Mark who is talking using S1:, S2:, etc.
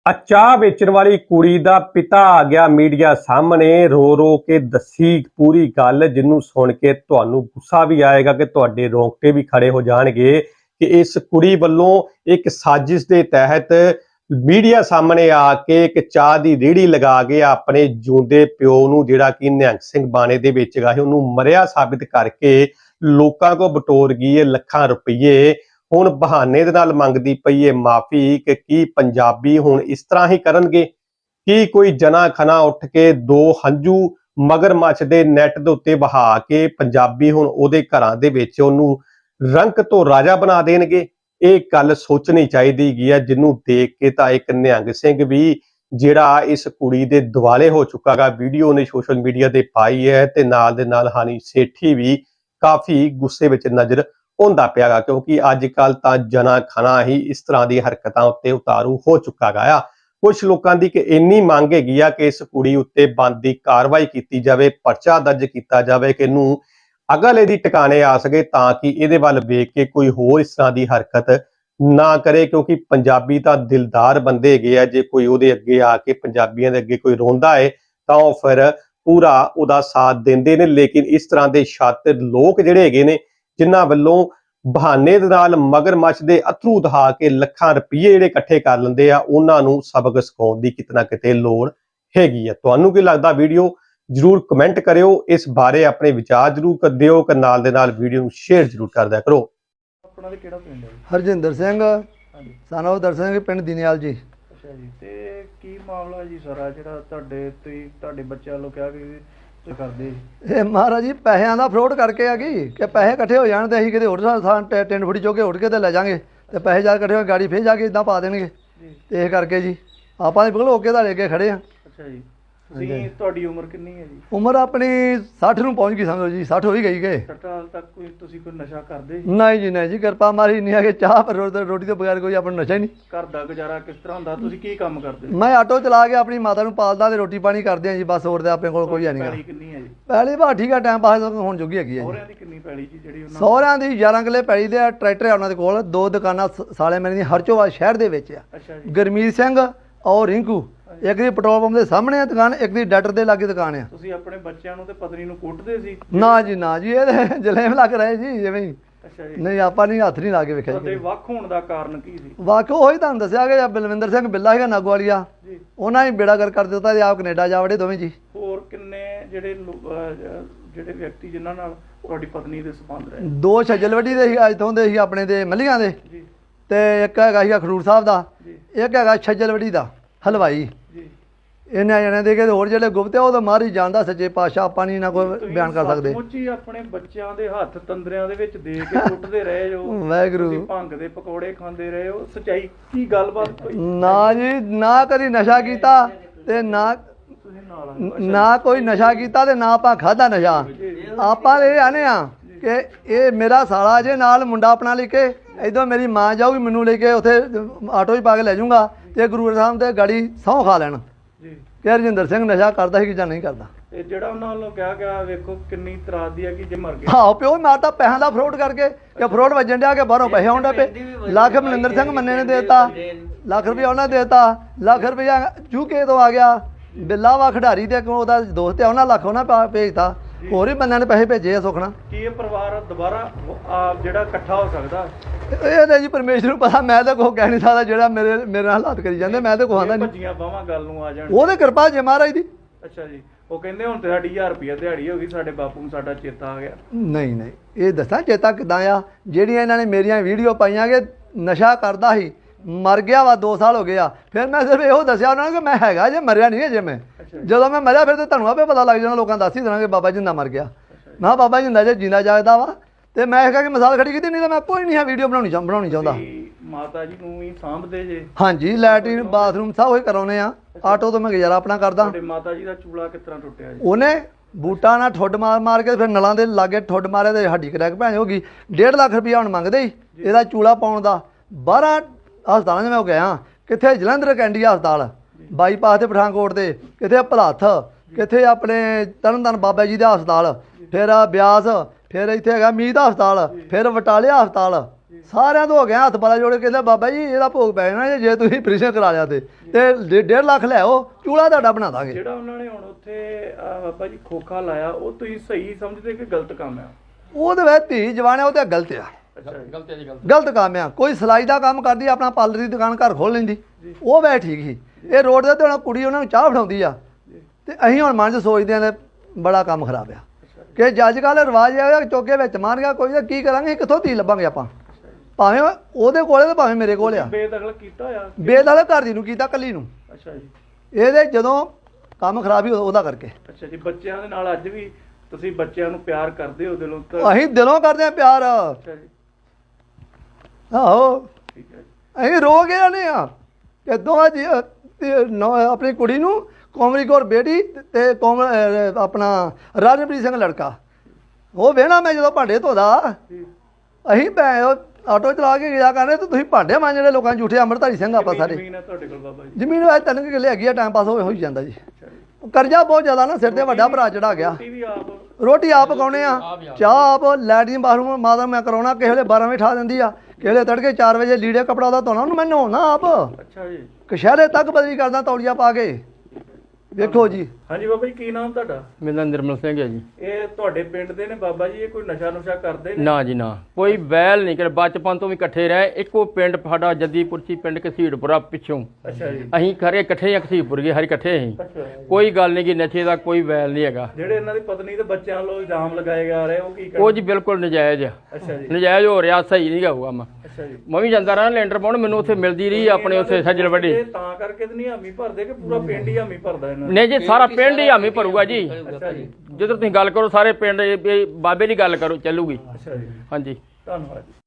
S1: ਚਾਹ ਵੇਚਣ ਵਾਲੀ ਕੁੜੀ ਦਾ ਪਿਤਾ ਆ ਗਿਆ ਮੀਡੀਆ ਸਾਹਮਣੇ, ਰੋ ਰੋ ਕੇ ਦੱਸੀ ਪੂਰੀ ਗੱਲ, ਜਿਹਨੂੰ ਸੁਣ ਕੇ ਤੁਹਾਨੂੰ ਗੁੱਸਾ ਵੀ ਆਏਗਾ ਕਿ ਤੁਹਾਡੇ ਰੋਂਗਟੇ ਵੀ ਖੜੇ ਹੋ ਜਾਣਗੇ ਕਿ ਇਸ ਕੁੜੀ ਵੱਲੋਂ ਇੱਕ ਸਾਜ਼ਿਸ਼ ਦੇ ਤਹਿਤ ਮੀਡੀਆ ਸਾਹਮਣੇ ਆ ਕੇ ਇੱਕ ਚਾਹ ਦੀ ਰੇਹੜੀ ਲਗਾ ਕੇ ਆਪਣੇ ਜਿਉਂਦੇ ਪਿਓ ਨੂੰ, ਜਿਹੜਾ ਕਿ ਨਿਹੰਗ ਸਿੰਘ ਬਾਣੇ ਦੇ ਵਿੱਚ ਹੈਗਾ ਸੀ, ਉਹਨੂੰ ਮਰਿਆ ਸਾਬਿਤ ਕਰਕੇ ਲੋਕਾਂ ਕੋਲ ਬਟੋਰ ਗਈ ਹੈ ਲੱਖਾਂ ਰੁਪਏ। ਹੁਣ ਬਹਾਨੇ ਦੇ ਨਾਲ ਮੰਗਦੀ ਪਈ ਹੈ ਮਾਫੀ ਕਿ ਕੀ ਪੰਜਾਬੀ ਹੁਣ ਇਸ ਤਰ੍ਹਾਂ ਹੀ ਕਰਨਗੇ? ਕੀ ਕੋਈ ਜਨਾ ਖਨਾ ਉੱਠ ਕੇ ਦੋ ਹੰਝੂ ਮਗਰਮੱਛ ਦੇ ਨੈਟ ਦੇ ਉੱਤੇ ਵਹਾ ਕੇ ਪੰਜਾਬੀ ਹੁਣ ਉਹਦੇ ਘਰਾਂ ਦੇ ਵਿੱਚ ਉਹਨੂੰ ਰੰਕ ਤੋਂ ਰਾਜਾ ਬਣਾ ਦੇਣਗੇ? ਇਹ ਗੱਲ ਸੋਚਣੀ ਚਾਹੀਦੀ ਗਈ ਹੈ, ਜਿਹਨੂੰ ਦੇਖ ਕੇ ਤਾਂ ਇੱਕ ਨਿਹੰਗ ਸਿੰਘ ਵੀ ਜਿਹੜਾ ਇਸ ਕੁੜੀ ਦੇ ਦੁਆਲੇ ਹੋ ਚੁੱਕਾ ਗਾ। ਵੀਡੀਓ ਨੇ ਸੋਸ਼ਲ ਮੀਡੀਆ ਤੇ ਪਾਈ ਹੈ ਤੇ ਨਾਲ ਦੇ ਨਾਲ ਹਨੀ ਸੇਠੀ ਵੀ ਕਾਫੀ ਗੁੱਸੇ ਵਿੱਚ ਨਜ਼ਰ ਆਉਂਦਾ ਪਿਆ ਗਾ, ਕਿਉਂਕਿ ਅੱਜ ਕੱਲ ਤਾਂ ਜਨਾ ਖਣਾ ਹੀ ਇਸ ਤਰ੍ਹਾਂ ਦੀ ਹਰਕਤਾਂ ਉੱਤੇ ਉਤਾਰੂ ਹੋ ਚੁੱਕਾ ਗਾ। ਕੁਝ ਲੋਕਾਂ ਦੀ ਕਿ ਇੰਨੀ ਮੰਗ ਹੈਗੀ ਆ ਕਿ ਇਸ ਕੁੜੀ ਉੱਤੇ ਬਣਦੀ ਕਾਰਵਾਈ ਕੀਤੀ ਜਾਵੇ, ਪਰਚਾ ਦਰਜ ਕੀਤਾ ਜਾਵੇ ਕਿ ਇਹਨੂੰ ਅਗਲ ਇਹਦੀ ਟਿਕਾਣੇ ਆ ਸਕੇ, ਤਾਂ ਕਿ ਇਹਦੇ ਵੱਲ ਵੇਖ ਕੇ ਕੋਈ ਹੋਰ ਇਸ ਤਰ੍ਹਾਂ ਦੀ ਹਰਕਤ ਨਾ ਕਰੇ। ਕਿਉਂਕਿ ਪੰਜਾਬੀ ਤਾਂ ਦਿਲਦਾਰ ਬੰਦੇ ਹੈਗੇ ਆ, ਜੇ ਕੋਈ ਉਹਦੇ ਅੱਗੇ ਆ ਕੇ ਪੰਜਾਬੀਆਂ ਦੇ ਅੱਗੇ ਕੋਈ ਰੋਂਦਾ ਹੈ ਤਾਂ ਉਹ ਫਿਰ ਪੂਰਾ ਉਹਦਾ ਸਾਥ ਦਿੰਦੇ ਨੇ। ਲੇਕਿਨ ਇਸ ਤਰ੍ਹਾਂ ਦੇ ਸ਼ਾਤਿਰ ਲੋਕ ਜਿਹੜੇ ਹੈਗੇ ਨੇ, ਜਿਨ੍ਹਾਂ ਵੱਲੋਂ ਬਹਾਨੇ ਦੇ ਨਾਲ ਮਗਰਮੱਛ ਦੇ ਅਥਰੂ ਦਹਾ ਕੇ ਲੱਖਾਂ ਰੁਪਏ ਜਿਹੜੇ ਇਕੱਠੇ ਕਰ ਲੈਂਦੇ ਆ, ਉਹਨਾਂ ਨੂੰ ਸਬਕ ਸਿਖਾਉਣ ਦੀ ਕਿਤੇ ਨਾ ਕਿਤੇ ਲੋੜ ਹੈਗੀ ਆ। ਤੁਹਾਨੂੰ ਕੀ ਲੱਗਦਾ? ਵੀਡੀਓ ਜਰੂਰ ਕਮੈਂਟ ਕਰਿਓ, ਇਸ ਬਾਰੇ ਆਪਣੇ ਵਿਚਾਰ ਜਰੂਰ ਦਿਓ ਕਿ ਨਾਲ ਦੇ ਨਾਲ ਵੀਡੀਓ ਨੂੰ ਸ਼ੇਅਰ ਜਰੂਰ ਕਰ ਦਿਆ ਕਰੋ।
S2: ਆਪਣਾ ਕਿਹੜਾ ਪਿੰਡ ਹੈ?
S3: ਹਰਜਿੰਦਰ ਸਿੰਘ
S2: ਹਾਂਜੀ,
S3: ਸਾਨੂੰ ਦਰਸ਼ਨ ਸਿੰਘ, ਪਿੰਡ ਦੀਨਿਆਲ ਜੀ।
S2: ਅੱਛਾ ਜੀ। ਤੇ ਕੀ ਮਾਮਲਾ ਜੀ ਸਾਰਾ ਜਿਹੜਾ ਤੁਹਾਡੇ ਬੱਚਿਆਂ ਵੱਲੋਂ ਕਿਹਾ ਕਿ ਤੁਸੀਂ ਕਰਦੇ?
S3: ਇਹ ਮਹਾਰਾਜ ਜੀ ਪੈਸਿਆਂ ਦਾ ਫਰੋਡ ਕਰਕੇ ਆ ਗਈ ਕਿ ਪੈਸੇ ਇਕੱਠੇ ਹੋ ਜਾਣ ਤੇ ਅਸੀਂ ਕਿਤੇ ਹੋਰ ਥਾਂ ਟਿੰਡ ਫੁੱਟੀ ਚੋ ਕੇ ਉੱਠ ਕੇ ਤੇ ਲੈ ਜਾਾਂਗੇ ਤੇ ਪੈਸੇ ਜਾ ਇਕੱਠੇ ਹੋ ਗਾੜੀ ਫੇਰ ਜਾ ਕੇ ਇਦਾਂ ਪਾ ਦੇਣਗੇ ਤੇ ਇਹ ਕਰਕੇ ਜੀ ਆਪਾਂ ਤਾਂ ਬਿਲਕੁਲ ਓਕੇ ਤੁਹਾਡੇ ਅੱਗੇ ਖੜੇ ਆ।
S2: ਅੱਛਾ ਜੀ। ਤੁਸੀਂ ਤੁਹਾਡੀ ਉਮਰ ਕਿੰਨੀ ਹੈ ਜੀ?
S3: ਉਮਰ ਆਪਣੀ 60 ਨੂੰ ਪਹੁੰਚ ਗਈ, ਸਮਝੋ ਜੀ 60 ਹੋ ਹੀ ਗਈ ਗਏ।
S2: 60 ਸਾਲ ਤੱਕ ਤੁਸੀਂ ਕੋਈ ਨਸ਼ਾ ਕਰਦੇ?
S3: ਨਹੀਂ ਜੀ, ਨਹੀਂ ਜੀ, ਕਿਰਪਾ ਮਾਰੀ ਨਹੀਂ ਆ ਕਿ ਚਾਹ ਪਰ ਰੋਟੀ ਤੋਂ ਬਗੈਰ ਕੋਈ ਆਪਣਾ ਨਸ਼ਾ ਹੀ ਨਹੀਂ।
S2: ਘਰ ਦਾ ਗੁਜ਼ਾਰਾ ਕਿਸ ਤਰ੍ਹਾਂ ਹੁੰਦਾ? ਤੁਸੀਂ ਕੀ ਕੰਮ ਕਰਦੇ?
S3: ਮੈਂ ਆਟੋ ਚਲਾ ਕੇ ਆਪਣੀ ਮਾਤਾ ਨੂੰ ਪਾਲਦਾ ਤੇ ਰੋਟੀ ਪਾਣੀ ਕਰਦੇ ਆ ਜੀ, ਬਸ ਹੋਰ ਤੇ ਆਪਣੇ ਕੋਲ ਕੋਈ ਹੈ ਨਹੀਂ।
S2: ਪੈਲੀ ਕਿੰਨੀ ਹੈ ਜੀ?
S3: ਪਹਿਲੀ ਵਾਰ ਠੀਕ ਆ, ਟਾਈਮ ਪਾਸ ਹੁਣ ਜੋਗੀ ਹੈਗੀ ਹੈ ਜੀ।
S2: ਸਹੁਰਿਆਂ ਦੀ ਕਿੰਨੀ ਪੈਲੀ ਜੀ ਜਿਹੜੀ ਉਹਨਾਂ
S3: ਸਹੁਰਿਆਂ ਦੀ 11 ਕਿੱਲੇ ਪੈਲੀ ਦੇ ਆ, ਟਰੈਕਟਰ ਆ ਉਹਨਾਂ ਦੇ ਕੋਲ, 2 ਦੁਕਾਨਾਂ ਸਾਲੇ ਮੇਰੇ ਦੀਆਂ ਹਰਚੋਵਾ ਸ਼ਹਿਰ ਦੇ ਵਿੱਚ ਆ।
S2: ਅੱਛਾ ਜੀ।
S3: ਗੁਰਮੀਤ ਸਿੰਘ ਔਰ ਰਿੰਕੂ, ਇੱਕ ਦੀ ਪੈਟਰੋਲ ਪੰਪ ਦੇ ਸਾਹਮਣੇ ਆ ਦੁਕਾਨ, ਇੱਕ ਦੀ ਡਾਕਟਰ ਦੇ ਲਾਗੇ ਦੁਕਾਨ ਆ।
S2: ਤੁਸੀਂ ਆਪਣੇ ਬੱਚਿਆਂ ਨੂੰ ਤੇ ਪਤਨੀ ਨੂੰ ਕੁੱਟਦੇ ਸੀ?
S3: ਨਾ ਜੀ, ਨਾ ਜੀ, ਇਹ ਤੇ ਜਲੇਮ ਲੱਗ ਰਹੇ ਜੀ ਜਿਵੇਂ ਹੀ।
S2: ਅੱਛਾ ਜੀ।
S3: ਨਹੀਂ, ਆਪਾਂ ਨਹੀਂ ਹੱਥ ਨਹੀਂ ਲਾ ਕੇ ਵੇਖਿਆ
S2: ਤੁਹਾਡੇ
S3: ਜੀ।
S2: ਵੱਖ ਹੋਣ ਦਾ ਕਾਰਨ ਕੀ ਸੀ?
S3: ਵਾਕਿਆ ਉਹੀ ਤੁਹਾਨੂੰ ਦੱਸਿਆ ਕਿ ਬਲਵਿੰਦਰ ਸਿੰਘ ਬਿੱਲਾ ਹੈਗਾ ਨਾਗੋਵਾਲੀਆ,
S2: ਜੀ।
S3: ਉਹਨਾਂ ਹੀ ਬੇੜਾ ਕਰ ਦਿੱਤਾ ਤੇ ਆਪ ਕੈਨੇਡਾ ਜਾ ਵੜੇ ਦੋਵੇਂ ਜੀ।
S2: ਹੋਰ ਕਿੰਨੇ ਜਿਹੜੇ ਵਿਅਕਤੀ ਜਿਨ੍ਹਾਂ ਨਾਲ ਤੁਹਾਡੀ ਪਤਨੀ ਦੇ ਸੰਬੰਧ ਰਹੇ?
S3: 2 ਛੱਜਲਵੱਡੀ ਦੇ ਸੀ, ਅੱਜ ਤੋਂ ਦੇ ਸੀ ਆਪਣੇ ਦੇ ਮੱਲੀਆਂ ਦੇ,
S2: ਜੀ
S3: ਤੇ ਇੱਕ ਹੈਗਾ ਸੀਗਾ ਖਡੂਰ ਸਾਹਿਬ ਦਾ,
S2: ਜੀ
S3: ਇੱਕ ਹੈਗਾ ਛੱਜਲਵੱਡੀ ਦਾ ਹਲਵਾਈ।
S2: ਜੀ।
S3: ਇਹਨਾਂ ਜਣਿਆਂ ਦੇ ਕਿ ਹੋਰ ਜਿਹੜੇ ਗੁਪਤ ਆ ਉਹ ਤਾਂ ਮਾਰ ਹੀ ਜਾਣਦਾ, ਸੱਚੇ ਪਾਤਸ਼ਾਹ, ਆਪਾਂ ਨਹੀਂ ਨਾ ਕੋਈ
S2: ਤੁਸੀਂ
S3: ਬਿਆਨ ਕਰ ਸਕਦੇ।
S2: ਸੱਚਮੁੱਚ ਹੀ ਆਪਣੇ ਬੱਚਿਆਂ ਦੇ ਹੱਥ ਤੰਦਰਿਆਂ ਦੇ ਵਿੱਚ ਦੇ ਕੇ ਕੁੱਟਦੇ ਰਹੇ ਜੋ?
S3: ਵਾਹਿਗੁਰੂ।
S2: ਤੁਸੀਂ ਭੰਗ ਦੇ ਪਕੌੜੇ ਖਾਂਦੇ ਰਹੇ ਹੋ? ਸੱਚਾਈ ਕੀ ਗੱਲਬਾਤ ਕੋਈ?
S3: ਨਾ ਜੀ, ਨਾ ਕਦੀ ਨਸ਼ਾ ਕੀਤਾ ਤੇ
S2: ਤੁਸੀਂ ਨਾਲ
S3: ਨਾ ਕੋਈ ਨਸ਼ਾ ਕੀਤਾ ਤੇ ਨਾ ਆਪਾਂ ਖਾਦਾ ਨਸ਼ਾ। ਆਪਾਂ ਇਹ ਆਨੇ ਆ ਕਿ ਇਹ ਮੇਰਾ ਸਾਲਾ ਜੇ ਨਾਲ ਮੁੰਡਾ ਆਪਣਾ ਲੈ ਕੇ ਇਦੋਂ ਮੇਰੀ ਮਾਂ ਜਾਊਗੀ ਮੈਨੂੰ ਲੈ ਕੇ ਉੱਥੇ ਆਟੋ 'ਚ ਪਾ ਕੇ ਲੈ ਜਾਊਗਾ ਤੇ ਗੁਰੂ ਸਾਹਿਬ ਤੇ ਗਾੜੀ ਸਹੁੰ ਖਾ ਲੈਣ
S2: ਜੀ
S3: ਕਿ ਹਰਜਿੰਦਰ ਸਿੰਘ ਨਸ਼ਾ ਕਰਦਾ ਸੀ ਕਿ ਜਾਂ ਨਹੀਂ ਕਰਦਾ।
S2: ਇਹ ਜਿਹੜਾ ਉਹਨਾਂ ਵੱਲੋਂ ਕਿਹਾ ਗਿਆ, ਵੇਖੋ ਕਿੰਨੀ ਤਰਾਸਦੀ ਹੈ ਕਿ ਜੇ ਮਰ ਗਿਆ।
S3: ਹਾਂ, ਪਿਓ ਮਾਰਤਾ ਪੈਸਿਆਂ ਦਾ ਫਰੋਡ ਕਰਕੇ ਕਿ ਫਰੋਡ ਵੱਜਣ ਡਿਆ ਕਿ ਬਾਹਰੋਂ ਪੈਸੇ ਆਉਣ ਡੇ ਪਏ। ਲੱਖ ਮਨਿੰਦਰ ਸਿੰਘ ਮੰਨੇ ਨੇ ਦੇਤਾ, ਲੱਖ ਰੁਪਇਆ ਉਹਨਾਂ ਦੇਤਾ, ਲੱਖ ਰੁਪਇਆ ਯੂਕੇ ਤੋਂ ਆ ਗਿਆ ਬਿੱਲਾ ਵਾ ਖਿਡਾਰੀ ਦੇ ਕੋਲ, ਉਹਦਾ ਦੋਸਤ ਆ, ਉਹਨਾਂ ਲੱਖ ਉਹਨਾਂ ਭੇਜਤਾ, ਹੋਰ ਵੀ ਬੰਦਿਆਂ ਨੇ ਪੈਸੇ ਭੇਜੇ ਆ ਸੁਖਣਾ।
S2: ਕੀ ਇਹ ਪਰਿਵਾਰ ਦੁਬਾਰਾ ਜਿਹੜਾ ਇਕੱਠਾ ਹੋ ਸਕਦਾ?
S3: ਇਹ ਤਾਂ ਜੀ ਪਰਮੇਸ਼ਰ ਨੂੰ ਪਤਾ, ਮੈਂ ਤਾਂ ਕੋਈ ਕਹਿ ਨਹੀਂ ਸਕਦਾ। ਜਿਹੜਾ ਮੇਰੇ ਨਾਲ ਹਾਲਾਤ ਕਰੀ ਜਾਂਦੇ, ਮੈਂ ਤਾਂ ਕੋਈ ਆਂਦਾ ਨਹੀਂ।
S2: ਭੱਜੀਆਂ ਬਾਹਾਂ ਗੱਲ ਨੂੰ ਆ ਜਾਣ,
S3: ਉਹਦੇ ਕਿਰਪਾ ਜੇ ਮਹਾਰਾਜ ਦੀ।
S2: ਅੱਛਾ ਜੀ। ਉਹ ਕਹਿੰਦੇ ਹੁਣ ਤੇ ਸਾਡੀ 1000 ਰੁਪਇਆ ਦਿਹਾੜੀ ਹੋ ਗਈ, ਸਾਡੇ ਬਾਪੂ ਨੂੰ ਸਾਡਾ ਚੇਤਾ ਆ ਗਿਆ।
S3: ਨਹੀਂ ਨਹੀਂ, ਇਹ ਦੱਸਾਂ ਚੇਤਾ ਕਿੱਦਾਂ ਆ? ਜਿਹੜੀਆਂ ਇਹਨਾਂ ਨੇ ਮੇਰੀਆਂ ਵੀਡੀਓ ਪਾਈਆਂ ਕਿ ਨਸ਼ਾ ਕਰਦਾ ਸੀ, ਮਰ ਗਿਆ ਵਾ, 2 ਸਾਲ ਹੋ ਗਏ ਆ, ਫਿਰ ਮੈਂ ਸਿਰਫ ਇਹੋ ਦੱਸਿਆ ਉਹਨਾਂ ਨੂੰ ਕਿ ਮੈਂ ਹੈਗਾ ਜੇ, ਮਰਿਆ ਨਹੀਂ ਜੇ। ਮੈਂ ਜਦੋਂ ਮੈਂ ਮਰਿਆ ਫਿਰ ਤਾਂ ਤੁਹਾਨੂੰ ਆਪੇ ਪਤਾ ਲੱਗ ਜਾਣਾ, ਲੋਕਾਂ ਦੱਸ ਹੀ ਦੇਣਾ ਕਿ ਬਾਬਾ ਜਿੰਦਾ ਮਰ ਗਿਆ। ਮੈਂ ਬਾਬਾ ਜਿੰਦਾ ਜੇ ਜਿੰਦਾ ਜਾਗਦਾ ਵਾ, ਤੇ ਮੈਂ ਇਹ ਕਿ ਮਿਸਾਲ ਖੜੀ ਕੀਤੀ, ਨਹੀਂ ਤਾਂ ਮੈਂ ਕੋਈ ਨਹੀਂ ਵੀਡੀਓ ਬਣਾਉਣੀ ਚਾਹੁੰਦਾ।
S2: ਮਾਤਾ ਜੀ ਨੂੰ ਹੀ ਸਾਂਭਦੇ ਜੇ?
S3: ਹਾਂਜੀ, ਲੈਟਰੀਨ ਬਾਥਰੂਮ ਸਭ ਉਹੀ ਕਰਾਉਨੇ ਆ, ਆਟੋ ਤੋਂ ਮੈਂ ਗੁਜ਼ਾਰਾ ਆਪਣਾ ਕਰਦਾ।
S2: ਤੁਹਾਡੇ ਮਾਤਾ ਜੀ ਦਾ ਚੂਲਾ ਕਿਸ ਤਰ੍ਹਾਂ ਟੁੱਟਿਆ ਜੀ?
S3: ਉਹਨੇ ਬੂਟਾ ਨਾਲ ਠੁੱਡ ਮਾਰ ਕੇ ਫਿਰ ਨਲਾਂ ਦੇ ਲਾਗੇ ਠੁੱਡ ਮਾਰਿਆ ਤੇ ਹੱਡੀ ਕਰੈਕ ਭੈਣ ਹੋ ਗਈ। 1.5 ਲੱਖ ਰੁਪਇਆ ਹੁਣ ਮੰਗਦੇ ਸੀ ਇਹਦਾ ਚੂਲਾ ਪਾਉਣ ਦਾ। 12 ਹਸਪਤਾਲਾਂ 'ਚ ਮੈਂ ਗਿਆ, ਕਿੱਥੇ ਜਲੰਧਰ ਕੈਂਡੀ ਹਸਪਤਾਲ, ਬਾਈਪਾਸ ਤੇ ਪਠਾਨਕੋਟ ਦੇ, ਕਿੱਥੇ ਭਲਾਥ, ਕਿੱਥੇ ਆਪਣੇ ਤਰਨਤਾਰਨ ਬਾਬਾ ਜੀ ਦਾ ਹਸਪਤਾਲ, ਫਿਰ ਬਿਆਸ, ਫਿਰ ਇੱਥੇ ਹੈਗਾ ਮੀਤ ਹਸਪਤਾਲ, ਫਿਰ ਬਟਾਲਿਆ ਹਸਪਤਾਲ, ਸਾਰਿਆਂ ਤੋਂ ਹੋ ਗਿਆ ਹੱਥ ਪਾਲਾ ਜੋੜ ਕੇ ਕਹਿੰਦਾ ਬਾਬਾ ਜੀ ਇਹਦਾ ਭੋਗ ਪੈ ਜਾਣਾ ਜੇ ਤੁਸੀਂ ਆਪਰੇਸ਼ਨ ਕਰਾ ਲਿਆ ਤੇ 1.5 ਲੱਖ ਲੈ ਆਓ ਚੂਲਾ ਤੁਹਾਡਾ ਬਣਾ ਦਾਂਗੇ।
S2: ਜਿਹੜਾ ਉਹਨਾਂ ਨੇ ਹੁਣ ਉੱਥੇ ਬਾਬਾ ਜੀ ਖੋਖਾ ਲਾਇਆ ਉਹ ਤੁਸੀਂ ਸਹੀ ਸਮਝਦੇ ਕਿ ਗਲਤ ਕੰਮ ਆ?
S3: ਉਹਦੇ ਵਿੱਚ ਧੀ ਜਵਾਨ ਹੈ ਉਹ ਤੇ ਗਲਤ ਆ,
S2: ਗਲਤ ਹੈ ਜੀ
S3: ਗਲਤ ਕੰਮ ਆ। ਕੋਈ ਸਿਲਾਈ ਦਾ ਕੰਮ ਕਰਦੀ ਆਪਣਾ ਪਾਰਲਰ ਦੀ ਦੁਕਾਨ ਘਰ ਖੋਲ ਲੈਂਦੀ ਉਹ ਵੈ ਠੀਕ ਸੀ। ਇਹ ਰੋਡ ਦੇ ਤੇ ਹੁਣ ਕੁੜੀ ਉਹਨਾਂ ਨੂੰ ਚਾਹ ਫੜਾਉਂਦੀ ਆ ਤੇ ਅਸੀਂ ਹੁਣ ਮਨ 'ਚ ਸੋਚਦੇ ਆਂ ਬੜਾ ਕੰਮ ਖਰਾਬ ਆ ਕਿ ਅੱਜ ਕੱਲ੍ਹ ਰਿਵਾਜ ਇਹ ਚੌਕੇ ਵਿੱਚ ਮਾਰ ਗਿਆ ਕੋਈ ਤਾਂ ਕੀ ਕਰਾਂਗੇ, ਕਿੱਥੋਂ ਧੀ ਲੱਭਾਂਗੇ ਆਪਾਂ? ਭਾਵੇਂ ਉਹਦੇ ਕੋਲੇ ਤੇ ਭਾਵੇਂ ਮੇਰੇ ਕੋਲ ਆ।
S2: ਬੇਦਖਲ ਕੀਤਾ ਆ?
S3: ਬੇਦਖਲ ਘਰ ਦੀ ਨੂੰ ਕੀਤਾ ਕੱਲੀ ਨੂੰ।
S2: ਅੱਛਾ ਜੀ।
S3: ਇਹਦੇ ਜਦੋਂ ਕੰਮ ਖਰਾਬ ਹੀ ਉਹਦਾ ਕਰਕੇ।
S2: ਅੱਛਾ ਜੀ। ਬੱਚਿਆਂ ਦੇ ਨਾਲ ਅੱਜ ਵੀ ਤੁਸੀਂ ਬੱਚਿਆਂ ਨੂੰ ਪਿਆਰ ਕਰਦੇ ਹੋ ਦਿਲੋਂ? ਤਾਂ
S3: ਅਸੀਂ ਦਿਲੋਂ ਕਰਦੇ ਆ ਪਿਆਰ।
S2: ਅੱਛਾ ਜੀ।
S3: ਆਹੋ
S2: ਠੀਕ ਹੈ ਜੀ।
S3: ਅਸੀਂ ਰੋ ਗਏ ਨੇ ਆ ਕਿ ਦੋਵਾਂ ਜੀ ਆਪਣੀ ਕੁੜੀ ਨੂੰ ਕੋਮਰੀ ਕੌਰ ਬੇਟੀ ਤੇ ਆਪਣਾ ਰਾਜਪ੍ਰੀਤ ਸਿੰਘ ਲੜਕਾ। ਉਹ ਵੇਣਾ ਮੈਂ ਜਦੋਂ ਭਾਂਡੇ ਧੋਦਾ ਅਸੀਂ ਆਟੋ ਚਲਾ ਕੇ ਗਿਆ ਕਰਨੇ ਤੇ ਤੁਸੀਂ ਭਾਂਡੇ ਮਾਂਜਣੇ ਲੋਕਾਂ ਦੇ ਝੂਠੇ ਅੰਮ੍ਰਿਤਧਾਰੀ ਸਿੰਘ ਆਪਾਂ ਸਾਰੇ।
S2: ਜ਼ਮੀਨ ਹੈ ਤੁਹਾਡੇ ਕੋਲ ਬਾਬਾ ਜੀ?
S3: ਜ਼ਮੀਨ ਵਾਜ 3 ਕਿੱਲੇ ਹੈਗੀ ਆ, ਟਾਈਮ ਪਾਸ ਹੋ ਹੀ ਜਾਂਦਾ ਜੀ। ਕਰਜ਼ਾ ਬਹੁਤ ਜ਼ਿਆਦਾ ਨਾ ਸਿਰ ਤੇ ਵੱਡਾ ਭਰਾ ਚੜਾ ਗਿਆ। ਰੋਟੀ ਆਪ ਪਕਾਉਣੇ ਆ, ਚਾਹ ਆਪ, ਲੈਟਰੀਨ ਬਾਥਰੂਮ ਮਾਤਾ ਮੈਂ ਕਰਾਉਣਾ। ਕਿਸੇ ਵੇਲੇ 12 ਵਜੇ ਠਾ ਦਿੰਦੀ ਆ, ਕਿਸੇ ਵੇਲੇ ਤੜਕੇ 4 ਵਜੇ ਲੀੜੇ ਕਪੜਾ ਉਹਦਾ ਧੋਣਾ, ਉਹਨੂੰ ਮੈਂ ਨਹਾਉਣਾ ਆਪ।
S2: ਅੱਛਾ ਜੀ।
S3: ਕਸ਼ਹਿਰੇ ਤੱਕ ਬਦਲੀ ਕਰਦਾ ਤੌਲੀਆ ਪਾ ਕੇ। ਵੇਖੋ ਜੀ।
S2: ਹਾਂਜੀ ਬਾਬਾ ਜੀ, ਕੀ ਨਾਮ ਤੁਹਾਡਾ?
S4: ਮੇਰਾ ਨਾਮ ਨਿਰਮਲ ਸਿੰਘ ਹੈ ਜੀ।
S2: ਇਹ ਤੁਹਾਡੇ ਪਿੰਡ ਦੇ ਨੇ ਬਾਬਾ ਜੀ? ਇਹ ਕੋਈ ਨਸ਼ਾ ਨੁਸ਼ਾ ਕਰਦੇ ਨੇ?
S4: ਨਾ ਜੀ ਨਾ, ਕੋਈ ਵੈਲ ਨਹੀਂ ਕਰ। ਬਚਪਨ ਤੋਂ ਵੀ ਇਕੱਠੇ ਰਹੇ। ਇੱਕੋ ਪਿੰਡ ਸਾਡਾ ਜੱਦੀਪੁਰਚੀ ਪਿੰਡ ਘਸੀਟਪੁਰਾ ਪਿੱਛੋਂ।
S2: ਅੱਛਾ ਜੀ।
S4: ਅਸੀਂ ਖਰੇ ਇਕੱਠੇ ਆ, ਘਸੀਟਪੁਰ ਗਏ ਹਰ ਇਕੱਠੇ ਅਸੀਂ।
S2: ਅੱਛਾ।
S4: ਕੋਈ ਗੱਲ ਨਹੀਂ ਕਿ ਨਸ਼ੇ ਦਾ ਕੋਈ ਵੈਲ ਨਹੀਂ ਹੈਗਾ।
S2: ਜਿਹੜੇ ਇਹਨਾਂ ਦੀ ਪਤਨੀ ਤੇ ਬੱਚਿਆਂ ਵੱਲੋਂ ਇਲਜ਼ਾਮ ਲਗਾਏ ਜਾ ਰਹੇ ਉਹ ਕੀ
S4: ਉਹ ਜੀ ਬਿਲਕੁਲ ਨਜਾਇਜ਼ ਆ।
S2: ਅੱਛਾ ਜੀ।
S4: ਨਜਾਇਜ਼ ਹੋ ਰਿਹਾ, ਸਹੀ ਨਹੀਂ ਹੋਊਗਾ।
S2: ਅੱਛਾ ਜੀ।
S4: ਮੈਂ ਵੀ ਜਾਂਦਾ ਰਹਾ ਲੈਂਟਰ ਪਾਉਣ, ਮੈਨੂੰ ਉੱਥੇ ਮਿਲਦੀ ਰਹੀ ਆਪਣੇ ਉੱਥੇ ਸੱਜਲ ਵੱਡੀ।
S2: ਇਹ ਤਾਂ ਕਰਕੇ ਤੇ ਨਹੀਂ ਹਾਮੀ ਭਰਦੇ ਕਿ ਪੂਰਾ ਪਿੰਡ ਹੀ ਹਾਮੀ ਭਰਦਾ ਇਹਨਾਂ
S4: ਨਹੀਂ ਜੀ, ਸਾਰਾ ਪਿੰਡ ਹੀ ਹਾਮੀ ਭਰੂਗਾ ਜੀ।
S2: ਅੱਛਾ ਜੀ।
S4: ਜਦੋਂ ਤੁਸੀਂ ਗੱਲ ਕਰੋ ਸਾਰੇ ਪਿੰਡ ਬਾਬੇ ਦੀ ਗੱਲ ਕਰੋ ਚੱਲੂਗੀ।
S2: ਅੱਛਾ ਜੀ।
S4: ਹਾਂਜੀ।
S2: ਧੰਨਵਾਦ ਜੀ।